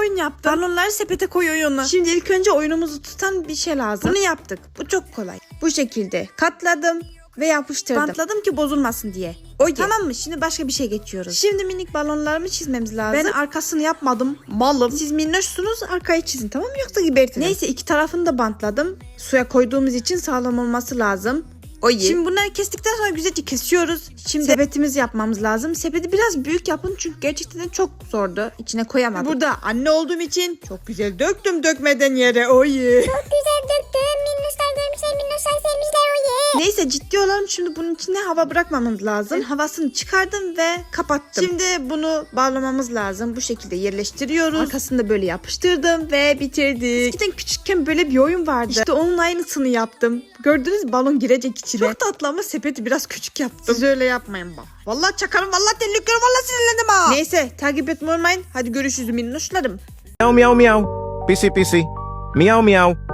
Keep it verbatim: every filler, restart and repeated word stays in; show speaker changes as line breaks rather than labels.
oyun yaptım. Balonları sepete koy oyunu. Şimdi ilk önce oyunumuzu tutan bir şey lazım. Bunu yaptık. Bu çok kolay. Bu şekilde katladım ve yapıştırdım. Bantladım ki bozulmasın diye. Oye. Tamam mı? Şimdi başka bir şey geçiyoruz. Şimdi minik balonlarımı çizmemiz lazım. Ben arkasını yapmadım. Malım. Siz minnoşsunuz, arkayı çizin, tamam mı? Yoksa gebertirim. Neyse, iki tarafını da bantladım. Suya koyduğumuz için sağlam olması lazım. Oye. Şimdi bunları kestikten sonra güzelce kesiyoruz. Şimdi sepetimizi yapmamız lazım. Sepeti biraz büyük yapın çünkü gerçekten de çok zordu. İçine koyamadım. Burada anne olduğum için çok güzel döktüm dökmeden yere. Oye.
Çok güzel döktüm. Minnoşlar görmüşler, minnoşlar sevmişler oye.
Neyse, ciddi olalım. Şimdi bunun içine hava bırakmamız lazım. Ben havasını çıkardım ve kapattım. Şimdi bunu bağlamamız lazım. Bu şekilde yerleştiriyoruz. Arkasını da böyle yapıştırdım ve bitirdik. Eskiden küçükken böyle bir oyun vardı. İşte onun aynısını yaptım. Gördünüz mü? Balon girecek içine. Çok tatlı ama sepeti biraz küçük yaptım. Siz öyle yapmayın bak. Vallahi çakarım, vallahi tehlikeli, vallahi sinirlendim ha. Neyse, takip etmeyi unutmayın. Hadi görüşürüz minnoşlarım.
Meow meow meow. Pisi pisi. Meow meow.